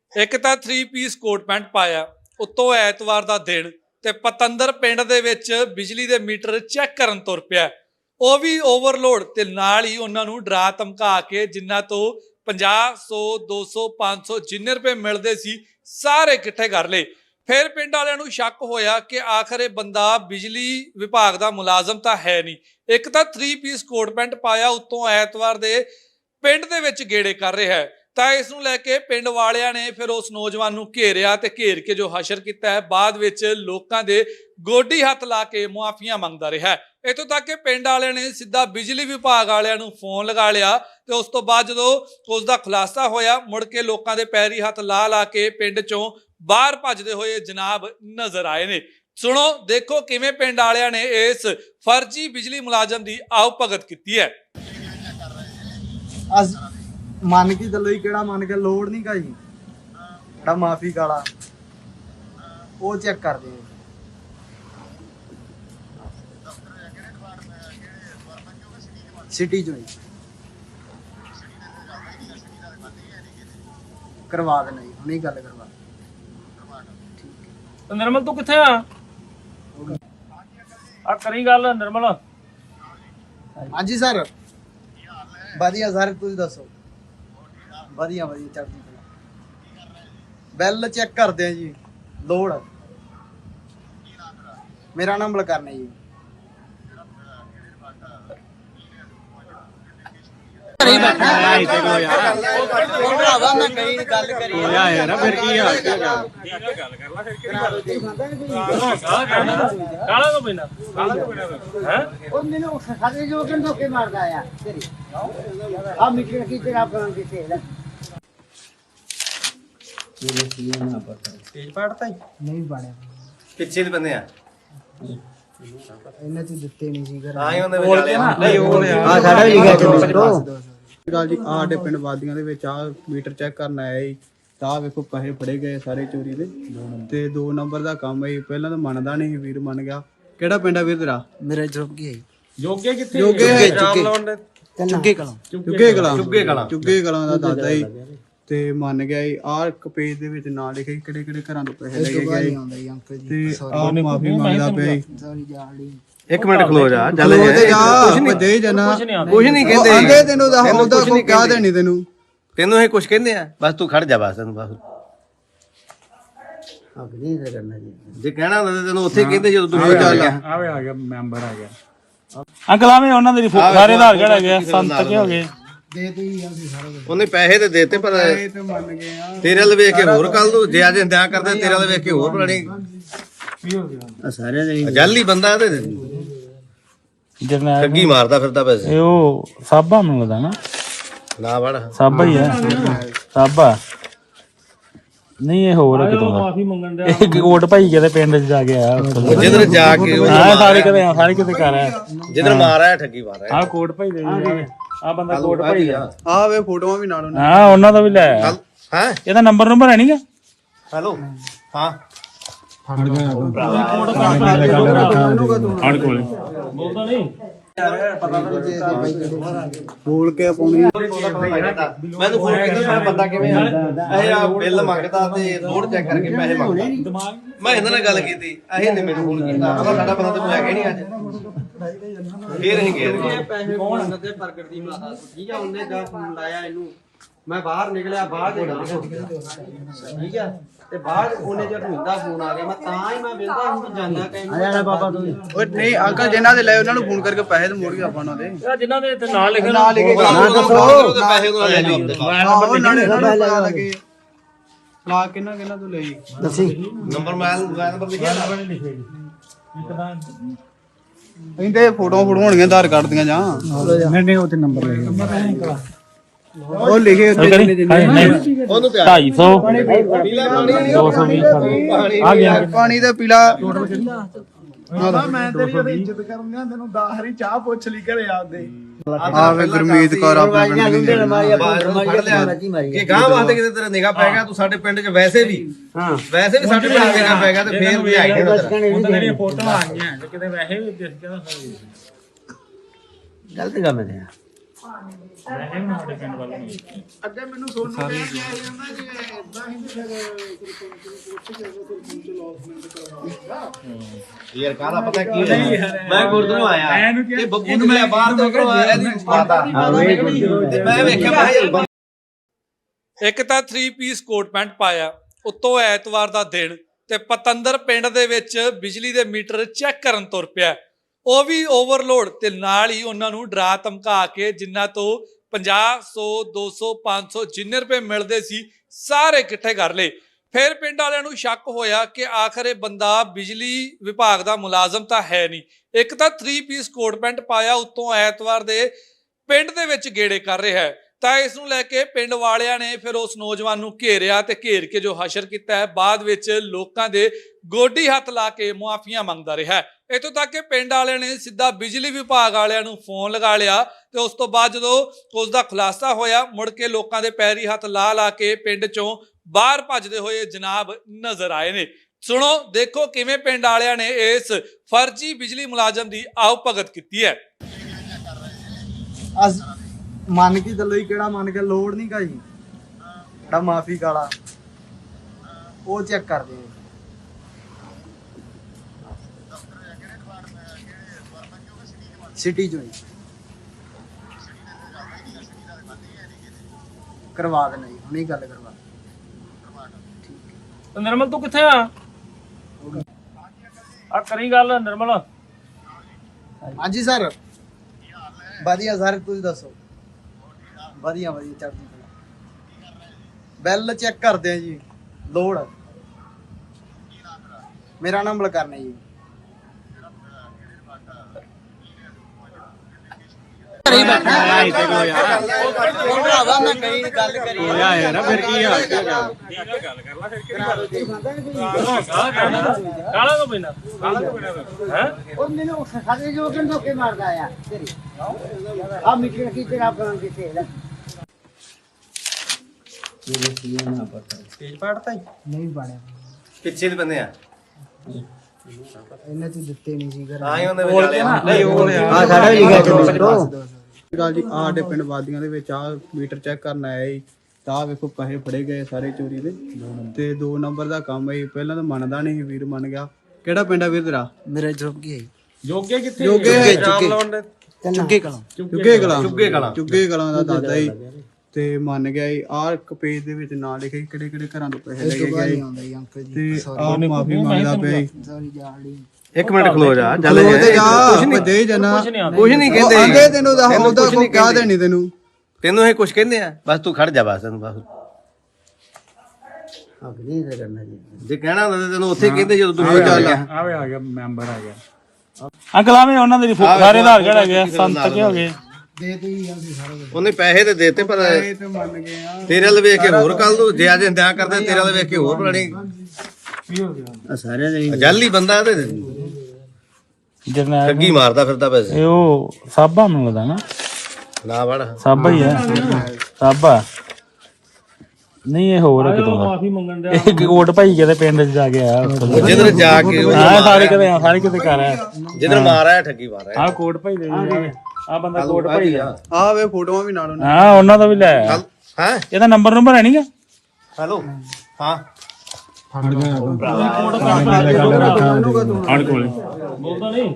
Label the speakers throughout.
Speaker 1: ਇੱਕ ਤਾਂ 3 piece coat pant ਪਾਇਆ, ਉੱਤੋਂ ਐਤਵਾਰ ਦਾ ਦਿਨ, ਤੇ ਪਤੰਦਰ ਪਿੰਡ ਦੇ ਵਿੱਚ ਬਿਜਲੀ ਦੇ ਮੀਟਰ ਚੈੱਕ ਕਰਨ ਤੁਰ ਪਿਆ, ਉਹ ਵੀ ਓਵਰਲੋਡ, ਤੇ ਨਾਲ ਹੀ ਉਹਨਾਂ ਨੂੰ ਡਰਾ ਧਮਕਾ ਕੇ ਜਿਨ੍ਹਾਂ ਤੋਂ 50, 100, 200, 500 ਜਿੰਨੇ ਰੁਪਏ ਮਿਲਦੇ ਸੀ ਸਾਰੇ ਇਕੱਠੇ ਕਰ ਲਏ। ਫਿਰ ਪਿੰਡ ਵਾਲਿਆਂ ਨੂੰ ਸ਼ੱਕ ਹੋਇਆ ਕਿ ਆਖਰ ਇਹ ਬੰਦਾ ਬਿਜਲੀ ਵਿਭਾਗ ਦਾ ਮੁਲਾਜ਼ਮ ਤਾਂ ਹੈ ਨਹੀਂ, ਇੱਕ ਤਾਂ 3 ਪੀਸ ਕੋਟ ਪੈਂਟ ਪਾਇਆ, ਉੱਤੋਂ ਐਤਵਾਰ ਦੇ ਪਿੰਡ ਦੇ ਵਿੱਚ ਗੇੜੇ ਕਰ ਰਿਹਾ ਹੈ। ਤਾਂ ਇਸ ਨੂੰ ਲੈ ਕੇ ਪਿੰਡ ਵਾਲਿਆਂ ਨੇ ਫਿਰ ਉਸ ਨੌਜਵਾਨ ਨੂੰ ਘੇਰਿਆ ਤੇ ਘੇਰ ਕੇ ਜੋ ਹਸ਼ਰ ਕੀਤਾ ਹੈ, ਬਾਅਦ ਵਿੱਚ ਲੋਕਾਂ ਦੇ ਗੋਡੀ ਹੱਥ ਲਾ ਕੇ ਮੁਆਫੀਆਂ ਮੰਗਦਾ ਰਿਹਾ ਹੈ। ਇੱਥੋਂ ਤੱਕ ਕਿ ਪਿੰਡ ਵਾਲਿਆਂ ਨੇ ਸਿੱਧਾ ਬਿਜਲੀ ਵਿਭਾਗ ਵਾਲਿਆਂ ਨੂੰ ਫੋਨ ਲਗਾ ਲਿਆ ਤੇ ਉਸ ਤੋਂ ਬਾਅਦ ਜਦੋਂ ਉਸ ਦਾ ਖੁਲਾਸਾ ਹੋਇਆ, ਮੁੜ ਕੇ ਲੋਕਾਂ ਦੇ ਪੈਰੀ ਹੱਥ ਲਾ ਕੇ ਪਿੰਡ ਚੋਂ ਬਾਹਰ ਭੱਜਦੇ ਹੋਏ ਜਨਾਬ ਨਜ਼ਰ ਆਏ ਨੇ। ਸੁਣੋ, ਦੇਖੋ ਕਿਵੇਂ ਪਿੰਡ ਵਾਲਿਆਂ ਨੇ ਇਸ ਫਰਜ਼ੀ ਬਿਜਲੀ ਮੁਲਾਜ਼ਮ ਦੀ ਆਓ ਭਗਤ ਕੀਤੀ ਹੈ।
Speaker 2: ਮੰਨ ਕੇ ਚੱਲੋ ਜੀ, ਕਿਹੜਾ ਮੰਨ ਕੇ ਲੋੜ ਨਹੀਂ ਗਾ ਜੀ, ਜਿਹੜਾ ਮਾਫੀ ਕਾਲਾ ਉਹ ਚੈੱਕ ਕਰਦੇ ਆ। ਸਿਟੀ ਚੋਂ ਕਰਵਾ ਦੇਣਾ ਜੀ, ਹੁਣੇ ਗੱਲ ਕਰਵਾ।
Speaker 3: ਨਿਰਮਲ ਤੂੰ ਕਿੱਥੇ ਆ ਕਰੀ ਗੱਲ ਨਿਰਮਲ।
Speaker 2: ਹਾਂਜੀ ਸਰ, ਵਧੀਆ ਸਰ, ਤੁਸੀਂ ਦੱਸੋ। ਵਧੀਆ ਵਧੀਆ, ਚੜ੍ਹਦੀ ਕਲਾ। ਬਿੱਲ ਚੈੱਕ ਕਰਦੇ ਆ ਜੀ, ਲੋੜ। ਮੇਰਾ ਨਾਮ ਬਲਕਰਨ ਹੈ ਜੀ।
Speaker 4: ਪਿੱਛੇ ਦੇ ਬੰਦੇ ਆ
Speaker 2: ਇਹਨਾਂ ਚ ਦਿੱਤੇ ਨਹੀਂ ਸੀ
Speaker 4: ਤਾਂ ਹੀ ਉਹਦੇ ਵਿੱਚ ਨਹੀਂ ਉਹ
Speaker 2: ਆ ਸਾਡਾ ਵੀ ਲਿਖਿਆ ਗੱਲ ਜੀ। ਸਾਡੇ ਪਿੰਡ ਵਾਦੀਆਂ ਦੇ ਵਿੱਚ ਆ ਮੀਟਰ ਚੈੱਕ ਕਰਨ ਆਇਆ ਜੀ, ਤਾਂ ਵੇਖੋ ਪੈਸੇ ਫੜੇ ਗਏ ਸਾਰੇ ਚੋਰੀ ਦੇ, ਤੇ 2 ਨੰਬਰ ਦਾ ਕੰਮ ਹੈ। ਪਹਿਲਾਂ ਤਾਂ ਮੰਨਦਾ ਨਹੀਂ, ਵੀਰ ਮੰਨ ਗਿਆ। ਕਿਹੜਾ ਪਿੰਡ ਆ ਵੀਰ ਤੇਰਾ? ਮੇਰਾ ਜੋਗੀ ਹੈ।
Speaker 3: ਜੋਗੇ ਕਿੱਥੇ?
Speaker 2: ਚੁੱਗੇ ਕਲਾਂ ਦਾ ਦਾਦਾ ਜੀ, ਤੇ ਮੰਨ ਗਿਆ ਜੀ। ਆਹ ਇੱਕ ਪੇਜ ਦੇ ਵਿੱਚ ਨਾਂ ਲਿਖਿਆ ਕਿਹੜੇ ਕਿਹੜੇ ਘਰਾਂ ਤੋਂ ਪੈਸੇ ਲੈ ਕੇ ਗਏ, ਤੇ ਆਹ ਮਾਫੀ ਮੰਗਦਾ ਪਿਆ ਜੀ।
Speaker 4: ਇੱਕ ਮਿੰਟ ਖਲੋ ਜਾ, ਚੱਲ
Speaker 2: ਕੁਛ ਨਹੀਂ ਦੇ ਜਨਾ,
Speaker 4: ਕੁਛ ਨਹੀਂ ਕਹਿੰਦੇ
Speaker 2: ਆਂਦੇ ਤੈਨੂੰ ਦਾ ਹੁੰਦਾ ਕੋਈ ਕਹਿ ਦੇਣੀ ਤੈਨੂੰ
Speaker 4: ਇਹ ਕੁਛ ਕਹਿੰਦੇ ਆ, ਬਸ ਤੂੰ ਖੜ ਜਾ, ਬਸ ਤੈਨੂੰ ਬਸ ਜੇ ਕਹਿਣਾ ਹੁੰਦਾ ਤੈਨੂੰ ਉੱਥੇ ਕਹਿੰਦੇ ਜਦੋਂ ਤੂੰ ਚੱਲ
Speaker 3: ਆਵੇ ਆ ਗਿਆ ਮੈਂਬਰ ਆ ਗਿਆ। ਅੰਕਲ ਆਵੇ ਉਹਨਾਂ ਦੇ ਸਾਰੇ ਆਧਾਰ ਕਾਰਡ ਹੈਗੇ, ਸੰਤ ਕੇ ਹੋ ਗਏ।
Speaker 4: ਉਹਨੇ ਪੈਸੇ ਤੇ ਦੇਤੇ, ਪਰ ਤੇਰੇ ਵੱਲ ਵੇਖ ਕੇ ਹੋਰ ਕੱਲ ਨੂੰ ਜੇ ਅੱਜ ਇੰਤਜ਼ਾਰ ਕਰਦੇ, ਤੇਰੇ ਵੱਲ ਵੇਖ ਕੇ ਹੋਰ ਬਣਾਣੀ। ਸਾਰਿਆਂ ਦੇ ਜਾਲੀ ਬੰਦਾ ਤੇ ਠੱਗੀ ਮਾਰਦਾ ਫਿਰਦਾ ਪੈਸੇ।
Speaker 3: ਇਹ ਉਹ ਸਾਬਾ ਮੈਨੂੰ ਲੱਗਦਾ
Speaker 4: ਨਾ ਵੜ
Speaker 3: ਸਾਬਾ ਹੀ ਹੈ, ਸਾਬਾ ਨਹੀਂ ਇਹ ਹੋਰ ਕਿਤੋਂ ਦਾ। ਮਾਫੀ ਮੰਗਣ ਦਾ ਇਹ ਕੋਟ ਭਾਈ ਕਿਤੇ ਪਿੰਡ ਚ ਜਾ ਕੇ ਆਇਆ,
Speaker 4: ਜਿੱਧਰ ਜਾ ਕੇ
Speaker 3: ਸਾਰੇ ਕਿਤੇ ਕਰ ਆਇਆ,
Speaker 4: ਜਿੱਧਰ ਮਾਰ ਆਇਆ ਠੱਗੀ ਮਾਰ ਆਇਆ।
Speaker 3: ਆ ਕੋਟ ਭਾਈ ਦੇ ਆ ਬੰਦਾ ਕੋਟ ਭਾਈ ਦਾ।
Speaker 2: ਆ ਵੇ ਫੋਟੋਆਂ ਵੀ ਨਾਲ ਉਹਨਾਂ
Speaker 3: ਹਾਂ ਉਹਨਾਂ ਦਾ ਵੀ ਲੈ ਆਇਆ।
Speaker 4: ਹੈ
Speaker 3: ਇਹਦਾ ਨੰਬਰ ਹੈ ਨਹੀਂਗਾ।
Speaker 4: ਹੈਲੋ ਹਾਂ
Speaker 3: ਬੋਲਦਾ ਨਹੀਂ
Speaker 2: ਬੋਲ ਕੇ ਪਾਉਣੀ।
Speaker 4: ਮੈਨੂੰ ਫੋਨ ਕੀਤਾ, ਬੰਦਾ ਕਿਵੇਂ ਆ ਇਹ ਆ ਬਿੱਲ ਮੰਗਦਾ ਤੇ ਲੋਡ ਚੈੱਕ ਕਰਕੇ ਪੈਸੇ ਮੰਗਦਾ। ਮੈਂ ਇਹਨਾਂ ਨਾਲ ਗੱਲ ਕੀਤੀ, ਇਹ ਨੇ ਮੈਨੂੰ ਫੋਨ ਕੀਤਾ, ਸਾਡਾ ਬੰਦਾ ਤੇ ਲੈ ਗਿਆ ਨਹੀਂ ਅੱਜ। ਫੇਰ ਅਸੀਂ ਗਏ
Speaker 2: ਪੈਸੇ ਫੋਨ ਤੇ ਪ੍ਰਗਟ ਦੀ ਮਾਤਾ ਠੀਕ ਆ, ਉਹਨੇ ਜਾ ਫੋਨ ਲਾਇਆ ਇਹਨੂੰ, ਮੈਂ ਬਾਹਰ ਨਿਕਲਿਆ, ਬਾਹਰ ਦੇ ਠੀਕ ਆ, ਤੇ ਬਾਅਦ ਉਹਨੇ ਜਦ ਹੁੰਦਾ ਫੋਨ ਆ ਗਿਆ, ਮੈਂ ਤਾਂ ਹੀ ਮੈਂ ਵੇਂਦਾ ਹੁਣ ਜਾਂਦਾ ਕਹਿੰਦਾ ਬਾਬਾ ਤੂੰ ਓਏ ਨਹੀਂ ਅੰਕਲ ਜਿਨ੍ਹਾਂ ਦੇ ਲਏ ਉਹਨਾਂ ਨੂੰ ਫੋਨ ਕਰਕੇ ਪੈਸੇ ਤੇ ਮੋੜ ਗਿਆ ਆਪਾਂ ਉਹਨਾਂ ਦੇ,
Speaker 3: ਜਿਨ੍ਹਾਂ ਦੇ ਇੱਥੇ ਨਾਂ ਲਿਖੇ
Speaker 2: ਨਾਂ ਲਿਖੇ
Speaker 4: ਪੈਸੇ ਉਹਨਾਂ ਲੈ ਲਿਓ
Speaker 2: ਆਪਣੇ ਪਤਾ ਲੱਗੇ ਲਾ ਕਿੰਨਾ ਤੋਂ ਲਈ ਦੱਸੀ
Speaker 4: ਨੰਬਰ ਨੰਬਰ ਲਿਖਿਆ
Speaker 2: ਇਹਦੇ ਫੋਟੋਆਂ ਹੋਣਗੀਆਂ ਆਧਾਰ ਕਾਰਡ ਦੀਆਂ ਜਾਂ ਨਹੀਂ ਉੱਥੇ ਨੰਬਰ ਲਿਖੇ ਉਹ ਲਿਖੇ ਉੱਤੇ
Speaker 4: ਉਹਨੂੰ
Speaker 3: 250
Speaker 4: ਪੀਲਾ ਪਾਣੀ
Speaker 3: 220 ਆ ਗਿਆ
Speaker 2: ਪਾਣੀ ਦਾ ਪੀਲਾ।
Speaker 5: ਮੈਂ ਤੇਰੀ ਉਹਦੀ ਇੱਜ਼ਤ ਕਰਨ ਦਿਆਂ, ਤੈਨੂੰ 10 ਵਾਰੀ ਚਾਹ ਪੁੱਛ ਲਈ ਘਰੇ ਆਉਂਦੇ।
Speaker 2: ਆਵੇ ਗੁਰਮੀਤ ਕੌਰ ਆਪਣੇ ਪਿੰਡ ਦੀ
Speaker 4: ਕਿ ਗਾਂ ਵਾਸਤੇ ਕਿਤੇ ਤੇਰਾ ਨਿਗਾਹ ਪੈ ਗਿਆ, ਤੂੰ ਸਾਡੇ ਪਿੰਡ 'ਚ ਵੈਸੇ ਵੀ ਸਾਡੇ ਪਿੰਡ ਨਿਗਾਹ ਪੈ ਗਿਆ ਤੇ ਫੇਰ ਲਿਆਈ
Speaker 3: ਹੁਣ ਤਾਂ ਜਿਹੜੀਆਂ ਫੋਟੋਆਂ ਆਈਆਂ ਕਿਤੇ ਵੈਸੇ ਵੀ ਦਿਸ ਗਿਆ
Speaker 2: ਗਲਤ ਕੰਮ ਹੈ।
Speaker 3: ਸਾਡੇ ਪਿੰਡ ਵੱਲ ਨਹੀਂ
Speaker 5: ਅੱਗੇ ਮੈਨੂੰ ਸੋਨੂੰ ਕਹਿ ਕੇ ਆਈ ਜਾਂਦਾ ਕਿ ਇਦਾਂ ਹੀ ਤੇ ਫਿਰ ਸਰਪੰਚ ਨੂੰ ਪੁੱਛ ਕੇ ਸਰਪੰਚ ਲੌਸਮੈਂਟ ਕਰਵਾਉਂਦਾ
Speaker 4: ਯਾਰ ਕਾਹਦਾ ਪਤਾ ਕੀ ਹੋਇਆ ਮੈਂ ਗੁਰਦੁਆਰਾ ਆਇਆ ਇਹ ਬੱਬੂ ਨੂੰ ਮੈਂ ਬਾਹਰ ਤੋਂ ਕਰਵਾ ਇਹਦੀ ਮਾਤਾ ਤੇ ਮੈਂ ਵੇਖਿਆ ਮੈਂ ਯਾਰ
Speaker 1: ਇੱਕ ਤਾਂ 3 ਪੀਸ ਕੋਟ ਪੈਂਟ ਪਾਇਆ, ਉੱਤੋਂ ਐਤਵਾਰ ਦਾ ਦਿਨ, ਤੇ ਪਤੰਦਰ ਪਿੰਡ ਦੇ ਵਿੱਚ ਬਿਜਲੀ ਦੇ ਮੀਟਰ ਚੈੱਕ ਕਰਨ ਤੁਰ ਪਿਆ, ਉਹ ਵੀ ਓਵਰਲੋਡ, ਤੇ ਨਾਲ ਹੀ ਉਹਨਾਂ ਨੂੰ ਡਰਾ ਧਮਕਾ ਕੇ ਜਿੰਨਾ ਤੋਂ 50 100 200 500 ਜਿੰਨੇ ਰੁਪਏ ਮਿਲਦੇ ਸੀ ਸਾਰੇ ਇਕੱਠੇ ਕਰ ਲਏ। ਫਿਰ ਪਿੰਡ ਵਾਲਿਆਂ ਨੂੰ ਸ਼ੱਕ ਹੋਇਆ ਕਿ ਆਖਰ ਇਹ ਬੰਦਾ ਬਿਜਲੀ ਵਿਭਾਗ ਦਾ ਮੁਲਾਜ਼ਮ ਤਾਂ ਹੈ ਨਹੀਂ, ਇੱਕ ਤਾਂ 3 ਪੀਸ ਕੋਟ ਪੈਂਟ ਪਾਇਆ, ਉੱਤੋਂ ਐਤਵਾਰ ਦੇ ਪਿੰਡ ਦੇ ਵਿੱਚ ਗੇੜੇ ਕਰ ਰਿਹਾ ਹੈ। ਤਾਂ ਇਸ ਨੂੰ ਲੈ ਕੇ ਪਿੰਡ ਵਾਲਿਆਂ ਨੇ ਫਿਰ ਉਸ ਨੌਜਵਾਨ ਨੂੰ ਘੇਰਿਆ ਤੇ ਘੇਰ ਕੇ ਜੋ ਹਸ਼ਰ ਕੀਤਾ ਹੈ, ਬਾਅਦ ਵਿੱਚ ਲੋਕਾਂ ਦੇ ਗੋਡੀ ਹੱਥ ਲਾ ਕੇ ਮੁਆਫੀਆਂ ਮੰਗਦਾ ਰਿਹਾ। ਇੱਥੋਂ ਤੱਕ ਕਿ ਪਿੰਡ ਵਾਲਿਆਂ ਨੇ ਸਿੱਧਾ ਬਿਜਲੀ ਵਿਭਾਗ ਵਾਲਿਆਂ ਨੂੰ ਫੋਨ ਲਗਾ ਲਿਆ ਤੇ ਉਸ ਤੋਂ ਬਾਅਦ ਜਦੋਂ ਉਸ ਦਾ ਖੁਲਾਸਾ ਹੋਇਆ, ਮੁੜ ਕੇ ਲੋਕਾਂ ਦੇ ਪੈਰੀ ਹੱਥ ਲਾ ਲਾ ਕੇ ਪਿੰਡ ਚੋਂ ਬਾਹਰ ਭੱਜਦੇ ਹੋਏ ਜਨਾਬ ਨਜ਼ਰ ਆਏ ਨੇ। ਸੁਣੋ, ਦੇਖੋ ਕਿਵੇਂ ਪਿੰਡ ਵਾਲਿਆਂ ਨੇ ਇਸ ਫਰਜ਼ੀ ਬਿਜਲੀ ਮੁਲਾਜ਼ਮ ਦੀ ਆਓ ਭਗਤ ਕੀਤੀ ਹੈ।
Speaker 5: ਅਸ ਮੰਨ ਕੇ ਚੱਲੋ ਜੀ, ਕਿਹੜਾ ਮੰਨ ਕੇ ਲੋੜ ਨਹੀਂ ਗਾ ਜੀ, ਜਿਹੜਾ ਮਾਫੀ ਕਾਲਾ ਉਹ ਚੈੱਕ ਕਰਦੇ ਆ। ਸਿਟੀ ਚੋਂ ਜੀ ਕਰਵਾ ਦੇਣਾ ਜੀ, ਹੁਣੇ ਗੱਲ ਕਰਵਾ।
Speaker 3: ਨਿਰਮਲ ਤੂੰ ਕਿੱਥੇ ਆ ਕਰੀ ਗੱਲ ਨਿਰਮਲ।
Speaker 5: ਹਾਂਜੀ ਸਰ, ਵਧੀਆ ਸਰ, ਤੁਸੀਂ ਦੱਸੋ। ਵਧੀਆ ਵਧੀਆ ਚੜ੍ਹਦੀ ਕਲਾ। ਬਿੱਲ ਚੈੱਕ ਕਰਦੇ ਆ ਜੀ, ਲੋੜ। ਮੇਰਾ ਨਾਮ ਬਲਕਰਨ ਹੈ ਜੀ।
Speaker 2: ਭਰਾਵਾ ਮੈਂ ਕਈ ਗੱਲ ਕਰੀ
Speaker 3: ਯਾਰ ਫਿਰ ਕੀ ਆ ਕਾਲਾ ਤੋਂ ਬਿਨਾ ਹੈ
Speaker 6: ਉਹ ਮੈਨੂੰ ਸਾਡੇ ਜੋ ਕਿ ਧੋਕੇ ਮਾਰਦਾ ਆ ਤੇਰੀ ਆ ਮਿੱਟੀ ਰੱਖੀ ਤੇਰਾ ਬਣ ਕੇ ਤੇ
Speaker 2: ਪੇਜ ਪਾੜਤਾ ਹੀ
Speaker 6: ਨਹੀਂ ਬਣਿਆ
Speaker 4: ਪਿੱਛੇ ਦੇ ਬੰਦੇ ਆ
Speaker 6: ਇਹਨੇ ਤੂੰ ਦਿੱਤੇ ਨਹੀਂ ਸੀ ਘਰ
Speaker 4: ਤਾਂ ਹੀ ਉਹਨੇ ਵਿਚਾਲਿਆ
Speaker 2: ਨਹੀਂ ਉਹ
Speaker 6: ਆ ਸਾਡਾ ਵੀ ਲਿਖਿਆ ਤੇ
Speaker 5: ਗੱਲ ਜੀ, ਆਹ ਸਾਡੇ ਪਿੰਡ ਵਾਦੀਆਂ ਦੇ ਵਿੱਚ ਆ ਮੀਟਰ ਚੈੱਕ ਕਰਨ ਆਇਆ ਜੀ। ਤਾਂ ਵੇਖੋ ਪੈਸੇ ਫੜੇ ਗਏ ਸਾਰੇ ਚੋਰੀ ਦੇ, ਤੇ 2 ਨੰਬਰ ਦਾ ਕੰਮ ਹੈ। ਪਹਿਲਾਂ ਤਾਂ ਮੰਨਦਾ ਨਹੀਂ, ਵੀਰ ਮੰਨ ਗਿਆ। ਕਿਹੜਾ ਪਿੰਡ ਆ ਵੀਰ ਤੇਰਾ?
Speaker 6: ਮੇਰਾ ਜੋਗੀ ਹੈ
Speaker 3: ਜੋਗੇ ਕਿੱਥੇ
Speaker 5: ਜੋਗੇ
Speaker 6: ਚੁੱਗੇ ਕਲਾਂ
Speaker 5: ਚੁੱਗੇ ਕਲਾਂ ਦਾ ਦਾਦਾ ਜੀ, ਤੇ ਮੰਨ ਗਿਆ ਜੀ। ਆਹ ਇੱਕ ਪੇਜ ਦੇ ਵਿੱਚ ਨਾਂ ਲਿਖਿਆ ਜੀ ਕਿਹੜੇ ਕਿਹੜੇ ਘਰਾਂ ਤੋਂ ਪੈਸੇ ਲੈ ਕੇ ਗਿਆ ਜੀ,
Speaker 6: ਆਉਂਦਾ ਜੀ ਅੰਕਲ ਜੀ
Speaker 5: ਤੇ ਆਹ ਮਾਫੀ ਮੰਗਦਾ ਪਿਆ ਜੀ।
Speaker 6: ਸੌਰੀ ਜਾਲੀ
Speaker 4: ਇੱਕ ਮਿੰਟ ਖਲੋ ਜਾ ਚੱਲ
Speaker 5: ਉਹ ਤੇ ਜਾ ਭੱਜੇ ਜਾਣਾ,
Speaker 4: ਕੁਝ ਨਹੀਂ ਕਹਿੰਦੇ
Speaker 5: ਆਂਦੇ ਤੈਨੂੰ ਦਾ ਉਹਦਾ ਕੋਈ ਕਹਿ ਦੇਣੀ ਤੈਨੂੰ।
Speaker 4: ਤੈਨੂੰ ਇਹ ਕੁਝ ਕਹਿੰਦੇ ਆ, ਬਸ ਤੂੰ ਖੜ ਜਾ ਬਸ ਤੈਨੂੰ ਬਸ
Speaker 6: ਅਗਨੀ ਦਾ ਕਰਨਾ ਜੀ
Speaker 4: ਜੇ ਕਹਿਣਾ ਹੁੰਦਾ ਤੈਨੂੰ ਉੱਥੇ ਕਹਿੰਦੇ ਜਦੋਂ ਤੂੰ ਚੱਲ ਗਿਆ
Speaker 3: ਆਵੇ ਆ ਗਿਆ ਮੈਂਬਰ ਆ ਗਿਆ ਅੰਕਲ ਆਵੇ ਉਹਨਾਂ ਦੇ ਸਾਰੇ ਆਧਾਰ ਕਾਰਡ ਹੈਗੇ ਆ, ਸੰਤ ਕੇ ਹੋ ਗਏ
Speaker 6: ਦੇ ਤੇ ਹੀ ਆਂਦੇ ਸਾਰਾ ਕੁਝ।
Speaker 4: ਉਹਨੇ ਪੈਸੇ ਤੇ ਦੇਤੇ ਪਰ
Speaker 5: ਇਹ ਤੇ ਮੰਨ ਗਏ ਆ।
Speaker 4: ਤੇਰੇ ਵੱਲ ਵੇਖ ਕੇ ਹੋਰ ਕੱਲ ਨੂੰ ਜੇ ਅੱਜ ਇੰਤਜ਼ਾਰ ਕਰਦੇ ਤੇਰੇ ਵੱਲ ਵੇਖ ਕੇ ਹੋਰ ਬਣਾਣੀ
Speaker 6: ਸਾਰਿਆਂ ਦੇ
Speaker 4: ਜਾਲੀ ਬੰਦਾ ਤੇ
Speaker 3: ਜਰਨੈਲ
Speaker 4: ਠੱਗੀ ਮਾਰਦਾ ਫਿਰਦਾ ਪੈਸੇ
Speaker 3: ਇਹ ਉਹ ਸਾਬਾ ਮੈਨੂੰ ਲੱਗਦਾ ਨਾ
Speaker 4: ਨਾ ਵੜ
Speaker 3: ਸਾਬਾ ਹੀ ਹੈ ਸਾਬਾ ਨਹੀਂ ਇਹ ਹੋਰ ਕਿਤੋਂ ਮਾਫੀ ਮੰਗਣ ਦਾ ਇਹ ਕੋਟ ਭਾਈ ਕਿਤੇ ਪਿੰਡ ਚ ਜਾ ਕੇ ਆਇਆ
Speaker 4: ਜਿੱਧਰ ਜਾ ਕੇ
Speaker 3: ਹਾਂ ਸਾਰੇ ਕਿਤੇ ਕਰ ਆਇਆ
Speaker 4: ਜਿੱਧਰ ਮਾਰਿਆ ਠੱਗੀ ਮਾਰਿਆ
Speaker 3: ਆਹ ਕੋਟ ਭਾਈ ਦੇ ਆ ਬੰਦਾ ਕੋਟ ਭਾਈ ਦਾ
Speaker 5: ਆਹ ਵੇ ਫੋਟੋਆਂ ਵੀ ਨਾਲ ਉਹਨਾਂ
Speaker 3: ਹਾਂ ਉਹਨਾਂ ਦਾ ਵੀ ਲੈ ਆਇਆ
Speaker 4: ਹੈ
Speaker 3: ਇਹਦਾ ਨੰਬਰ ਹੈ ਨਹੀਂਗਾ
Speaker 4: ਹੈਲੋ ਹਾਂ
Speaker 3: ਬੋਲਦਾ ਨਹੀਂ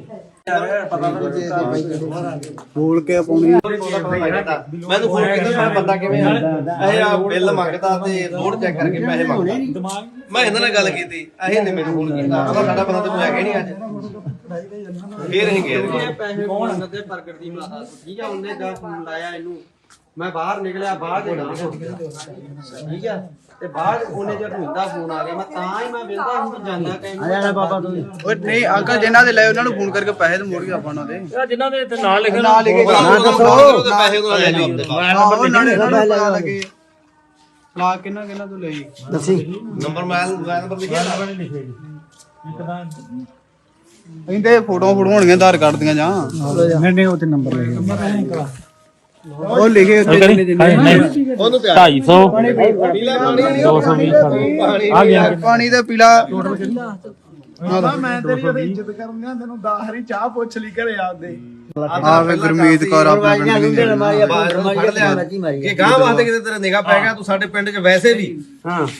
Speaker 5: ਬੋਲ ਕੇ ਪਾਉਣੀ।
Speaker 4: ਮੈਨੂੰ ਫੋਨ ਕੀਤਾ ਮੈਂ ਬੰਦਾ ਕਿਵੇਂ ਆ ਇਹ ਆ ਬਿੱਲ ਮੰਗਦਾ ਤੇ ਲੋਡ ਚੈੱਕ ਕਰਕੇ ਪੈਸੇ ਮੰਗਦਾ ਮੈਂ ਇਹਨਾਂ ਨਾਲ ਗੱਲ ਕੀਤੀ ਇਹ ਨੇ ਮੈਨੂੰ ਫੋਨ ਕੀਤਾ ਕਹਿੰਦਾ ਸਾਡਾ ਬੰਦਾ ਤੇ ਹੈਗਾ ਨਹੀਂ ਅੱਜ ਫੇਰ ਅਸੀਂ ਗਏ
Speaker 2: ਪੈਸੇ ਮੰਗਣ ਤੇ ਪ੍ਰਗਟ ਦੀ ਮਾਤਾ ਤੋਂ, ਠੀਕ ਆ। ਉਹਨੇ ਦਾ ਫੋਨ ਲਾਇਆ ਇਹਨੂੰ, ਮੈਂ ਬਾਹਰ ਨਿਕਲਿਆ, ਬਾਹਰ ਦੇ ਨਾਲ ਠੀਕ ਆ। ਤੇ ਬਾਹਰ ਉਹਨੇ ਜਦ ਹੁੰਦਾ ਫੋਨ ਆ ਗਿਆ, ਮੈਂ ਤਾਂ ਹੀ ਮੈਂ ਵੇਖਦਾ ਹੁਣ ਜਾਂਦਾ ਕਹਿੰਦਾ ਬਾਬਾ ਤੂੰ
Speaker 5: ਓਏ ਨਹੀਂ ਅੰਕਲ, ਜਿਨ੍ਹਾਂ ਦੇ ਲਏ ਉਹਨਾਂ ਨੂੰ ਫੋਨ ਕਰਕੇ ਪੈਸੇ ਤੇ ਮੋੜ ਕੇ ਆਪਾਂ ਉਹਨਾਂ ਦੇ
Speaker 3: ਜਿਨ੍ਹਾਂ ਦੇ ਇੱਥੇ ਨਾਂ ਲਿਖੇ
Speaker 5: ਨਾਂ ਲਿਖੇ
Speaker 4: ਪੈਸੇ ਉਹ ਲੈ ਜਾਓ ਆਪਦੇ
Speaker 5: ਆਹੋ ਨਾਲੇ ਇਹਨਾਂ ਨੂੰ ਪਤਾ ਲੱਗੇ ਲਾ ਕਿੰਨਾ ਕਿੰਨਾ ਤੋਂ ਲਈ।
Speaker 6: ਦੱਸੀ
Speaker 4: ਨੰਬਰ ਮੋਬਾਈਲ ਨੰਬਰ ਲਿਖਿਆ
Speaker 5: ਕਹਿੰਦੇ ਫੋਟੋਆਂ ਹੋਣਗੀਆਂ ਆਧਾਰ ਕਾਰਡ ਦੀਆਂ ਜਾਂ
Speaker 6: ਨਹੀਂ ਉਹ ਤੇ ਨੰਬਰ ਲਿਖਿਆ
Speaker 5: ਉਹ ਲਿਖੇ ਉੱਤੇ ਕਿੰਨੇ ਜਿੰਨੇ
Speaker 4: ਉਹਨੂੰ
Speaker 3: 250 220 ਆ ਗਿਆ
Speaker 5: ਪਾਣੀ ਦਾ ਪੀਲਾ ਮੈਂ ਤੇਰੀ ਉਹਦੀ ਇੱਜ਼ਤ ਕਰੂੰਗਾ ਤੈਨੂੰ 10 ਵਾਰੀ ਚਾਹ ਪੁੱਛ ਲਈ ਘਰੇ ਆਪਦੇ
Speaker 4: ਆਵੇ ਗੁਰਮੀਤ ਕੌਰ ਆਪਣੇ ਪਿੰਡ ਦੀ
Speaker 6: ਮਾਰੀ
Speaker 4: ਫੜ ਲਿਆ ਕਿ ਗਾਂ ਵਾਸਤੇ ਕਿਤੇ ਤੇਰਾ ਨਿਗਾਹ ਪੈ ਗਿਆ ਤੂੰ ਸਾਡੇ ਪਿੰਡ 'ਚ ਵੈਸੇ ਵੀ
Speaker 2: ਹਾਂ